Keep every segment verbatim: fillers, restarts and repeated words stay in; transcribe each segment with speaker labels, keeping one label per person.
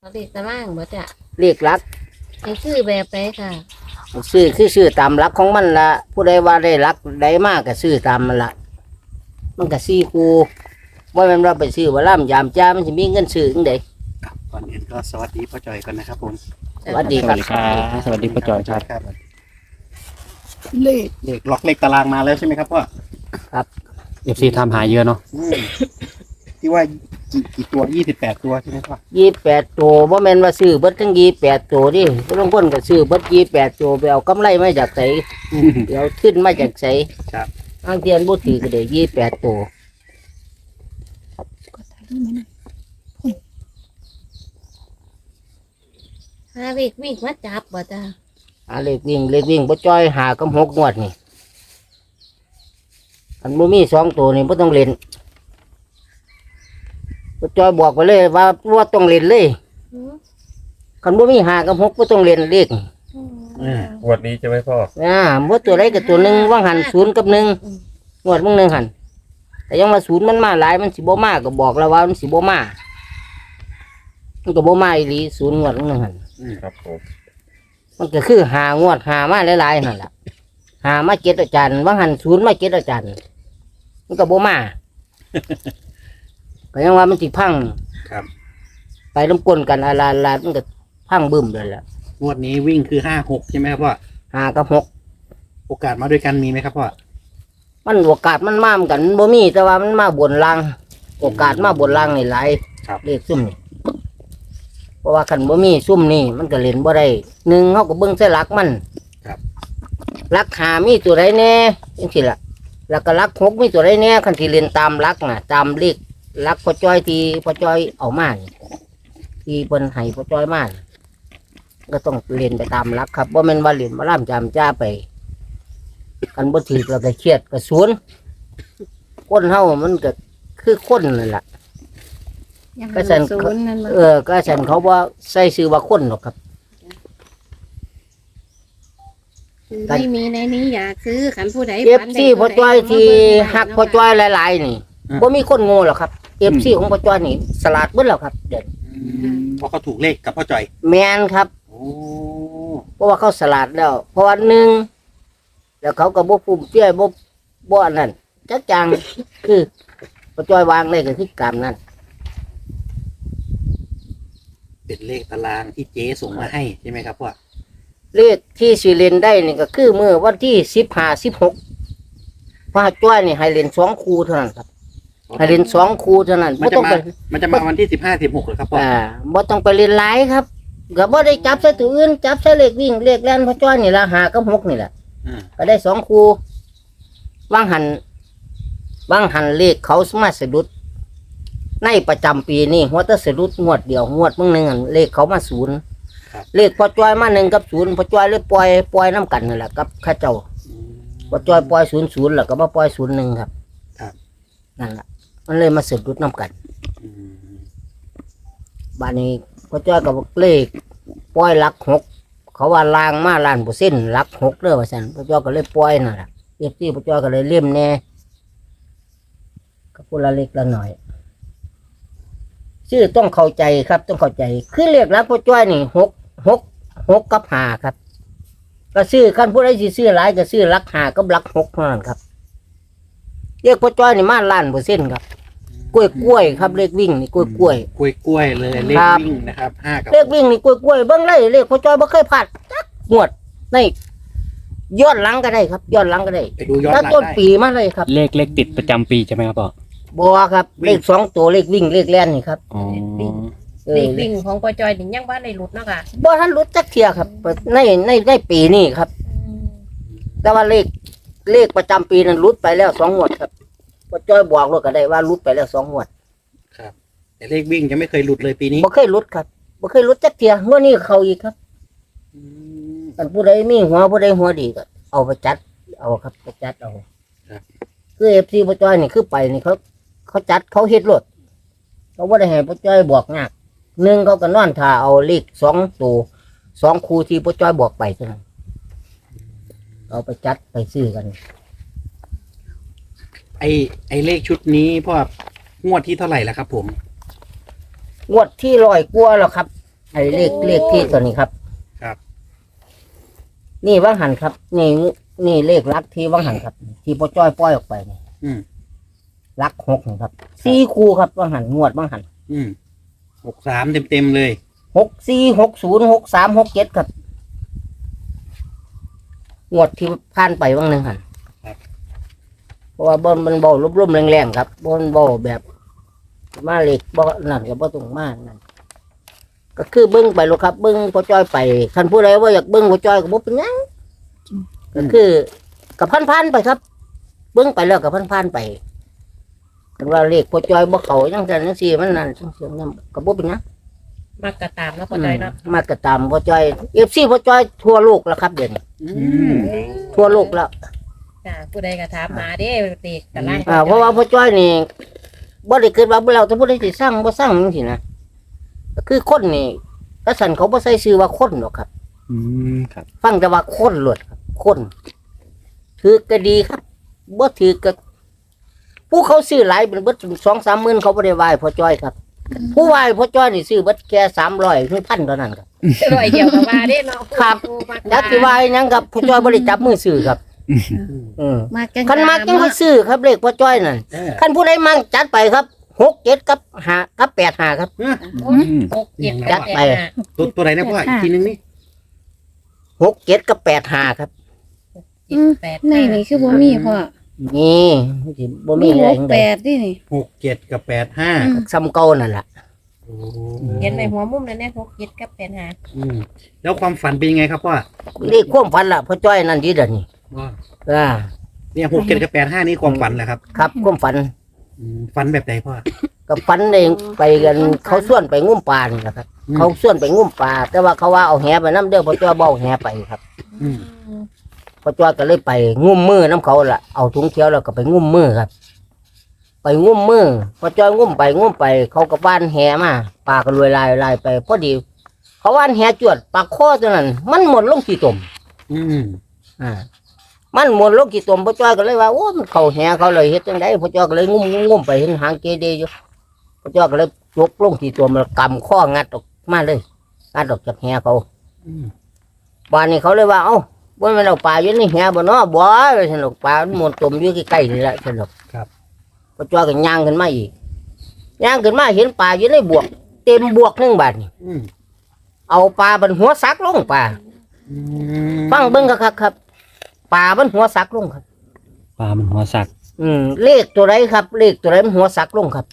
Speaker 1: เขาเด็กตะล่างบ่จ้ะ
Speaker 2: เลขหลัก
Speaker 1: ให้ซื้อแบบไหนค่ะ
Speaker 2: ซื้อคือซื้อตามหลักของมันละผู้ใดว่าได้หลักใดมากก็ซื้อตามมันละมันก็สี่คูว่ามันเราไปซื้อว่าล่ำยามจ้ามันจะมีเงินซื้อจังได
Speaker 3: ครับก่อนอื่นก็สวัสดีพ่อจอยก่อนนะครับผม
Speaker 2: สวัสดี
Speaker 4: สวัสดีครับสวัสดีพ่อจอยครับ
Speaker 3: ครับเลขเลขล็อกเลขตารางมาแล้วใช่ไหมครับพ่อ
Speaker 4: เอฟซีทำหาเยอะเนาะ
Speaker 3: อืมที่ว่ากี่กี่ตัวยี่สิบแปดตัวใช่ไหมพ่อ
Speaker 2: ยี่แปดตัวว่าแม่นว่าซื้อเบิดทั้งยี่แปดตัวดิผู้ลางคนก็ซื้อเบิดยี่แปดตัวไปเอากำไรมาจากไสเดี๋ยวขึ้นมาจากไส
Speaker 3: ครับ
Speaker 2: อ้างเทียนบุตรีก็ได้ยี่แปดตัว
Speaker 1: หาเด็กวิ่งมาจับบ่จ้ะ
Speaker 2: อาเลขวิ่งเลขวิ่งบ่จ้อยหากับหกงวดนี่อันบ่มีสองตัวนี่บ่ต้องเล่นบ่จ้อยบอกไปเลยว่าว่าต้องเล่นเลย
Speaker 1: อืม
Speaker 2: คันบ่มีหากับหกบ่ต้องเล่นเลข
Speaker 1: อืม
Speaker 5: งวดนี้ใช่ไหมพ่อ
Speaker 2: อ่าบ่ตัวใดกับตัวหนึงว่างหันศูนย์กับหนึ่งงวดมึงหนึงหันแต่ยังว่าศูนย์มันมาหลายมันสิบ่มาก็บอกแล้วว่ามันสิบ่มามันก็บ่มาอีหลีศูนย์งวดมึงหนึงหัน
Speaker 5: ครับผม
Speaker 2: มันก็คือหางวดหามาหลายๆนั่นแหละหามาเก็ดอาจารย์ว่างหันศูนย์มาเก็ดอาจารย์มันก็บ่มา ก็ยังว่ามันสิพัง
Speaker 3: ครับ
Speaker 2: ไปน้ำกลนกันอาลาลามันก็พังบึ้มเลยแหละ
Speaker 3: งวดนี้วิ่งคือห้าหกใช่ไหมครับพ่อ
Speaker 2: หากับหก
Speaker 3: โอกาสมาด้วยกันมีไหมครับพ่อ
Speaker 2: มันโอกาสมันมาเหมือนกันมันบ่มีแต่ว่ามันมาบนล่างโอกาสมาบนล่างนี่หลาย
Speaker 3: ครับ
Speaker 2: เลขซุ่มนี่เพราะว่าคันบ่มีซุ่มนี่มันก็เล่นบ่ได้หนึ่งเฮาก็เบิ่งใส่หลักมัน
Speaker 3: ครับ
Speaker 2: หลักหามีตัวใดแน่จังซี่ล่ะแล้วก็หลักหกมีตัวใดแน่คันที่เล่นตามหลักน่ะตามเลขหลักพ่อจ้อยที่พ่อจ้อยเอามานี่ที่เพิ่นให้พ่อจ้อยมานี่ก็ต้องเล่นไปตามหลักครับบ่แม่นว่าเล่นมาล่ำจำจ้าไปกันบ่ถือแล้วก็เครียดก็ศูนย์คนเฮามันก็คือคนนั่นล่ะ
Speaker 1: ยัง
Speaker 2: ก็ฉัน
Speaker 1: ศูนย์นั่นบ่
Speaker 2: เออก็ฉันเขาว่าใส่ชื่อว่าคนหรอกครับ
Speaker 1: ไม่มีในนี้อยากซื้อขันผู้ใด
Speaker 2: เอฟ
Speaker 1: ฝันได้
Speaker 2: ซีพ่อจ้อยที่หักพ่อจ้อย
Speaker 1: ย
Speaker 2: หลายๆนี่บ่มีคนโง่หรอกครับเอฟซีของพ่อจ้อยนี่สลัดเบิดแล้วครับเด่น
Speaker 3: อืมเพราะเขาถูกเลขกับพ่อจอย
Speaker 2: แมนครับ
Speaker 3: โอ้
Speaker 2: เพราะว่าเขาสลัดแล้ว เพราะว่าหนึ่งแล้วเขาก็บ่ฟุ่มเฟือยบ่บ่อันนั้นจักจัง คือพ่อจ้อยวางเลยก็คือกรรมนั้น
Speaker 3: เป็นเลขตารางที่เจ๊ส่งมาให้ใช่ไหมครับพ่อ
Speaker 2: เลขที่สิเล่นได้นี่ก็คือมื้อวันที่สิบห้า สิบหกพ่อจ้อยนี่ให้เล่นสองคู่เท่านั้นครับให้เล่นสองคู่เท่านั้น
Speaker 3: มัน
Speaker 2: บ่
Speaker 3: จะ
Speaker 2: ต้อง
Speaker 3: มา
Speaker 2: ไป
Speaker 3: มันจะมาวันที่สิบห้าสิบหกเหรอครับพ่อ
Speaker 2: อ่าบ่ต้องไปเล่นหลายครับก็บ่ได้จับใส่ตัวอื่นจับใส่เลขวิ่งเลขแล่นพ่อจ้อยนี่ละหากับหกนี่แหละ
Speaker 3: อ่า
Speaker 2: ก็ได้สองคู่วางหันวางหันเลขเขาสมาสะดุดในประจำปีนี่หัวแตะสะดุดงวดเดียวงวดมึงหนึงอั่นเลขเขามาศูนย์เลขพ่อจ้อยมาหนึ่งกับศูนย์พ่อจ้อยเลยปล่อยปล่อยน้ำกันนั่นแหละกับข้าเจ้า
Speaker 3: อืม
Speaker 2: พ่อจ้อยปล่อยศูนย์ศูนย์แล้วก็มาปล่อยศูนย์หนึ่งครับ
Speaker 3: ครับ
Speaker 2: นั่นแหละมันเลยมาสะดุดน้ำกัน
Speaker 3: อืม
Speaker 2: บ้านนี้พ่อจ้อยกับเลขปล่อยหลักหกเขาว่าลางมาล้านเปอร์เซ็นต์หลักหกเด้อว่าซั่นพ่อจ้อยก็เลยปล่อยนั่นแหละเอฟซีพ่อจ้อยก็เลยเล่มแน่ก็พูดละเล็กละหน่อยชื่อต้องเข้าใจครับ ต้องเข้าใจคือเลขหลักพ่อจ้อยนี่หกหกหกกับห้าครับก็ซื้อขั้นผู้ใดสิซื้อหลายก็ซื้อหลักห้ากับหลักหกเท่านั้นครับเลขพ่อจ้อยนี่มาล้านเปอร์เซ็นต์ครับกล้วยกล้วยครับเลขวิ่งนี่กล้วยกล้วย
Speaker 3: กล้วยกล้วยเลยเลข
Speaker 2: ครับ
Speaker 3: วิ่งนะครับห้ากับ
Speaker 2: เลขวิ่งนี่กล้วยกล้วยเบิ้งเลยเลขพ่อจ้อยบ่เคยพลาดจักงวดในย้อนหลังก็ได้ครับย้อนหลังก็ได้
Speaker 3: ไปดูย้อนห
Speaker 2: ตั้
Speaker 3: ลั
Speaker 2: ง
Speaker 3: ง
Speaker 2: ต้น
Speaker 3: ได้
Speaker 2: ปีมาเลยครับ
Speaker 4: เลขเลขติดประจำปีใช่ไหมครับพ่อ
Speaker 2: บัวครับเลขสองตัวเลขวิ่งเลขแล่นนี่ครับ
Speaker 4: อ๋อ
Speaker 2: เอ
Speaker 1: เด็
Speaker 2: อก
Speaker 1: วิ่งของปอจอยถึงยังว่าในหลุดเนาะค่ะ
Speaker 2: บ่ทันรู้จักเทียครับในในในปีนี้ครับ แต่ว่าเลขเลขประจำปีนั้นรุดไปแล้วสองงวดครับพ่อจ้อยบอกเลยก็ได้ว่ารุดไปแล้วสองงวด
Speaker 3: ครับแต่เลขวิ่งจะไม่เคยหลุดเลยปีนี้
Speaker 2: บ่เคยรุดครับบ่เคยรุดจักเทียงวดนี้เขาอีกครับ
Speaker 3: อืม
Speaker 2: อันผู้ใดมีหัวผู้ใดหัวดีก็เอาไปจัด เอาครับไปจัดเอา
Speaker 3: ครับ
Speaker 2: คือเอฟซีพ่อจ้อยนี่คือไปนี่เขาเขาจัดเขาเฮ็ดรถเขาบ่ได้ให้พ่อจ้อยบอกยากหนึ่งเขาก็นอนท่าเอาเลขสองตัวสองคู่ที่พ่อจ้อยบอกไปเท่านั้นเอาไปจัดไปซื้อกัน
Speaker 3: ไอไอเลขชุดนี้พ่องวดที่เท่าไหร่แล้วครับผม
Speaker 2: งวดที่ร้อยกว่าแล้วครับไอ้เลขเลขที่ตัวนี้ครับ
Speaker 3: ครับ
Speaker 2: นี่ว่างหันครับ นี่นี่เลขลักที่ว่างหันครับ ที่พ่อจ้อยปล่อยออกไปนี่
Speaker 3: อืม
Speaker 2: ลักหกนี่ครับสี่คู่ครับว่างหันงวดว่างหัน
Speaker 3: อืมหกสามเต็มเต็มๆเลย
Speaker 2: หกสี่หกศูนย์หกสามหกเจ็ดครับงวดที่ผ่านไปว่างหนึ่งหันเพราะว่าบนมันเบาลุ่มๆแรงๆครับบนเบาแบบมาเล็กบ่นั่นกับบ่ตรงมากนั่นก็คือเบิ้งไปลูกครับเบิ้งพ่อจ้อยไปคันผู้ใดว่าอยากเบิ้งพ่อจ้อยก็บ่เป็นหยังก็คือกับพันๆไปครับ เบิ้งไปแล้วกับพันๆไปคันว่าเลขพ่อจ้อยบ่เข้าจังซั่นจังซี่มันนั่นจังซี่นั่นก็บ่เป็นหยัง
Speaker 5: มากกระตามแล้วพอใจเนาะ
Speaker 2: มากระตามพ่อจ้อย เอฟ ซี พ่อจ้อยทั่วโลกแล้วครับเดี๋ยวนี้
Speaker 3: อืม
Speaker 2: ทั่วโลกแล้ว
Speaker 5: จ้าผู้ใดก็ถามมาเด้เด็กตะล่าง
Speaker 2: อ่าเพราะว่าพ่อจ้อยนี่บ่ได้เกิดว่าบ่แล้วแต่ผู้ใดสิสร้างบ่สร้างจังซี่นะก็คือคนนี่กษันเขาบ่ใส่ชื่อว่าคนหรอกครับ
Speaker 4: อืมครับ
Speaker 2: ฟังแต่ว่าคนหลวดครับคนถือก็ดีครับบ่ถือก็ผู้เขาซื้อหลายเป็นเบิดสองสามหมื่นเขาบ่ได้ไหว้พ่อจ้อยครับ ผู้ไหว้พ่อจ้อยนี่ซื้อเบิดแค่สามร้อยถึงพันเท่านั้นครับ
Speaker 5: ร้อยเดียวก็ว่าเด้เนาะ
Speaker 2: ครับ ยักษ์สิไหว้หยังครับพ่อจ้อยบ่ได้จับมือซื้อครับอืม
Speaker 1: มากจัง
Speaker 2: คันมักจังค่อยซื้อครับเลขพ่อจ้อยนั่น
Speaker 3: เออ
Speaker 2: คันผู้ใดมั่งจัดไปครับหกเจ็ดกับห้ากับแปดห้าครับ
Speaker 3: เออ
Speaker 4: อืม
Speaker 5: หกเจ็ด
Speaker 2: จัดไป
Speaker 3: ตัวตัวไหนนะพ่ออีกทีนึงนี่
Speaker 2: หกเจ็ดกับแปดห้าครับ
Speaker 1: อืม
Speaker 5: แปด
Speaker 1: ในนี่คือบ่มีพ่อ
Speaker 2: นี่สิบ่มี
Speaker 1: มี
Speaker 2: อะไร
Speaker 1: หก
Speaker 2: ทั้ง
Speaker 1: แป
Speaker 2: ใด
Speaker 1: ดนี่นี่
Speaker 3: หกเจ็ดกับแปดห้า
Speaker 1: อืม
Speaker 2: ซ้ำเก่านั่นล่ะ
Speaker 3: โอ้
Speaker 5: เห็นในหัวมุมนั่นแน่หกเจ็ดกับแปดห้า
Speaker 3: อืมแล้วความฝันเป็นยังไงครับพ่อ
Speaker 2: เลขความฝันล่ะพ่อจ้อยนั่นดีเด้อนี่
Speaker 3: ว่า
Speaker 2: อ่า
Speaker 3: เนี่ยหกเจ็ดกับแปดห้านี่ความฝันแหละครับ
Speaker 2: ครับความฝัน
Speaker 3: อืมฝันแบบไหนพ่อ
Speaker 2: กับฝันเองไปกันเขาส่วนไปงุ่มปลานี่แหละครับ
Speaker 3: อืม
Speaker 2: เขาส่วนไปงุ่มปลาแต่ว่าเขาว่าเอาแหไปน้ำเด้อพ่อจ้อยบ่เอาแหไปครับ
Speaker 3: อืม
Speaker 2: พ่อจ้อยก็เลยไปงุ่มมือน้ำเขาล่ะเอาถุงเขียวแล้วก็ไปงุ่มมือครับ ไปงุ่มมือพ่อจ้อยงุ่มไปงุ่มไป เขาก็บ้านแหมาปลาก็รวยลายลายไปพอดี เขาว่านแหจวดปลาข้อตัวนั้น มันหมดลงกี่ตม
Speaker 3: อืม
Speaker 2: อ่า มันหมดลงกี่ตมพ่อจ้อยก็เลยว่าโอ้มันเข้าแหเขาเลยเฮ็ดจังไดพ่อจ้อยก็เลยงุ่มงุ่มงุ่มไปเห็นหางเกเดอยู่พ่อจ้อยก็เลยยกลงกี่ตมแล้วกำข้องัดออกมาเลยงัดออกจากแหเขา
Speaker 3: อืม
Speaker 2: บ้านนี้เขาเลยว่าเอ้าบ่แม่นเอาปลาอยู่ในแหบ่เนาะบ่ว่าซั่นดอกปลามันหมดตมอยู่ใกล้ๆนี่แหละซั่นดอกพ่อจ้อยก็ย่างขึ้นมาอีกย่างขึ้นมาเห็นปลาอยู่ในบวก เต็มบวกหนึงบาดนี่
Speaker 3: อืม
Speaker 2: เอาปลาบนหัวซักลงปลา
Speaker 3: อืม
Speaker 2: ฟังเบิ่งคักๆครับปลาบนหัวซักลงครับ
Speaker 4: ปลามันหัวสัก
Speaker 2: อืมเลขตัวไรครับ เลขตัวไรมันหัวซักลงครับ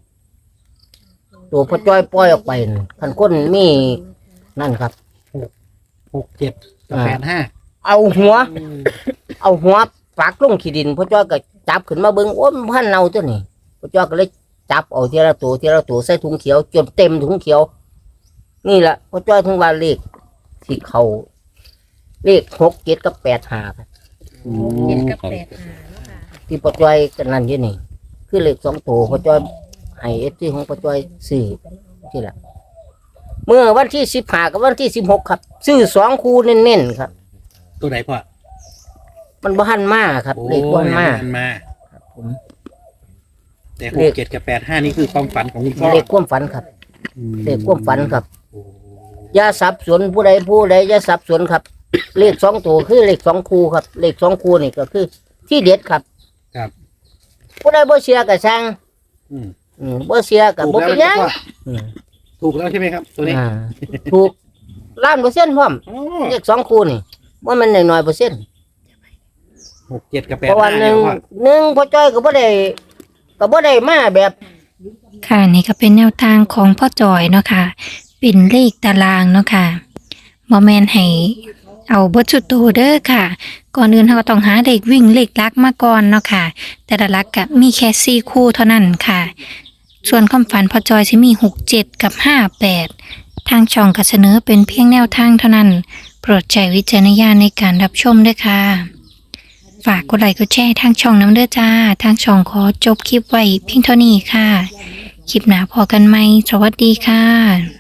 Speaker 2: ตัวพ่อจ้อยปล่อยออกไปนั่นคันคนมีนั่นครับ
Speaker 3: หกเจ็ดกับแปดห้า
Speaker 2: เอาหัว เอาหัวปักลงขี้ดินพ่อจ้อยก็จับขึ้นมาเบิ่งโอ้ยมันพันเน่าตัวนี้พ่อจ้อยก็เลยจับเอาทีละตัวทีละตัวใส่ถุงเขียวจนเต็มถุงเขียว นี่แหละพ่อจ้อยถึงว่าเลขที่เขาเลขหกเจ็ดกับแปดห้าครับ
Speaker 4: อื
Speaker 5: หกเจ็ด
Speaker 4: ม
Speaker 5: กับ
Speaker 4: ครับ
Speaker 5: แปดห้าเนาะค่ะ
Speaker 2: ที่พ่อจ้อยกันนั่นอยู่นี่ คือเลขสองตัวพ่อจ้อยให้เอฟซีของพ่อจ้อยซื้อที่ละเมื่อวันที่สิบห้ากับวันที่สิบหกครับซื้อสองคู่เน้นๆครับ
Speaker 3: ตัวไหนพ่อ
Speaker 2: มันบ้านมาครับ
Speaker 3: โอ้
Speaker 2: เลขบ้านมา
Speaker 3: มันมา
Speaker 2: ผม
Speaker 3: แต่หกเจ็ดกับแปดห้านี่คือความฝันของคุณพ่อ
Speaker 2: เลขความฝันครับ
Speaker 4: อืม
Speaker 2: เลขความฝันครับ
Speaker 3: โอ้
Speaker 2: อย่าสับสนผู้ใดผู้ใดอย่าสับสนครับ เลขสองตัวคือเลขสองคู่ครับ เลขสองคู่นี่ก็คือ ที่เด็ดครับ
Speaker 3: ครับ
Speaker 2: ผู้ใดบ่เชื่อก็ช่าง
Speaker 3: อืม
Speaker 2: อืมบ่เชื่อก็
Speaker 3: ถูก
Speaker 2: บ่
Speaker 3: แล้ว
Speaker 2: เป็นห
Speaker 3: ใช่
Speaker 2: ยัง
Speaker 3: ไหมพ่อ
Speaker 2: อืม
Speaker 3: ถูกแล้วใช่ไหมครับ ตัวนี้
Speaker 2: อ่าถูกล้านเปอร์เซ็นต์พร้อม
Speaker 3: โอ้
Speaker 2: เลขสองคู่นี่ว่ามันน้อยๆเปอร์เซ็นต์
Speaker 3: หกเจ็ดกับแปด
Speaker 2: เพราะว่า
Speaker 3: ห้า
Speaker 2: ห
Speaker 3: เนี่
Speaker 2: นึ่
Speaker 3: ย
Speaker 2: ง
Speaker 3: พ่อ
Speaker 2: หนึ่งพ่อจ้อยก็บ่ได้ก็บ่ได้มาแบบ
Speaker 6: ค่ะนี่ก็เป็นแนวทางของพ่อจอยเนาะค่ะเป็นเลขตารางเนาะค่ะบอแมนให้เอาเบทชุดโตเด้อค่ะ ก่อนอื่นเราก็ต้องหาเลขวิ่งเลขลักมาก่อนเนาะค่ะ แต่ละลักก็มีแค่สี่คู่เท่านั้นค่ะ ส่วนความฝันพ่อจอยจะมีหกเจ็ดกับห้าแปดทางช่องก็เสนอเป็นเพียงแนวทางเท่านั้น โปรดใช้วิจารณญาณในการรับชมด้วยค่ะ ฝากกดไลค์กดแชร์ทางช่องน้ำเด้อจ้า ทางช่องขอจบคลิปไว้เพียงเท่านี้ค่ะ คลิปหน้าพอกันไหม สวัสดีค่ะ